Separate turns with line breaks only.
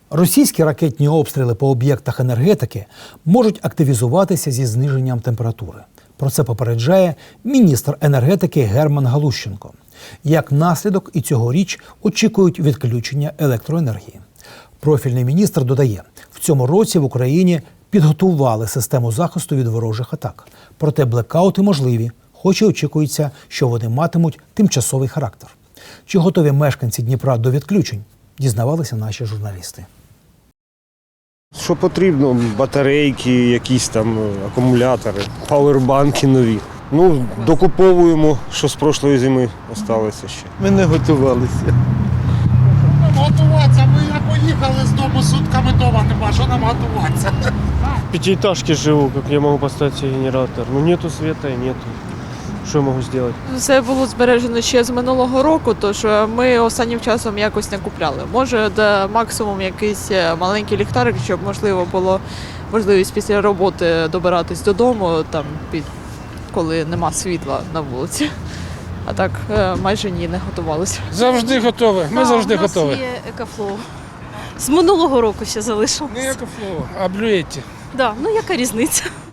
Російські ракетні обстріли по об'єктах енергетики можуть активізуватися зі зниженням температури. Про це попереджає міністр енергетики Герман Галущенко. Як наслідок і цьогоріч очікують відключення електроенергії. Профільний міністр додає, в цьому році в Україні підготували систему захисту від ворожих атак. Проте блекаути можливі, хоч і очікується, що вони матимуть тимчасовий характер. Чи готові мешканці Дніпра до відключень, дізнавалися наші журналісти.
Що потрібно? Батарейки, якісь там акумулятори, павербанки нові. Докуповуємо, що з прошлої зими залишилося ще.
Ми не готувалися.
Готуватися, ми поїхали з дому, сутками вдома нема, що нам готуватися?
В пятиэтажке живу, как я могу поставить себе генератор? Нету света и нету. Що я можу зробити?
Все було збережено ще з минулого року, тож ми останнім часом якось не купляли. Може, максимум якийсь маленький ліхтарик, щоб можливо було можливість після роботи добиратись додому, коли нема світла на вулиці. А так майже ні, не готувалися.
Завжди готові. Ми завжди готові.
У нас є екофлоу. З минулого року ще залишилось.
Не екофлоу, а блюєті.
Да, яка різниця?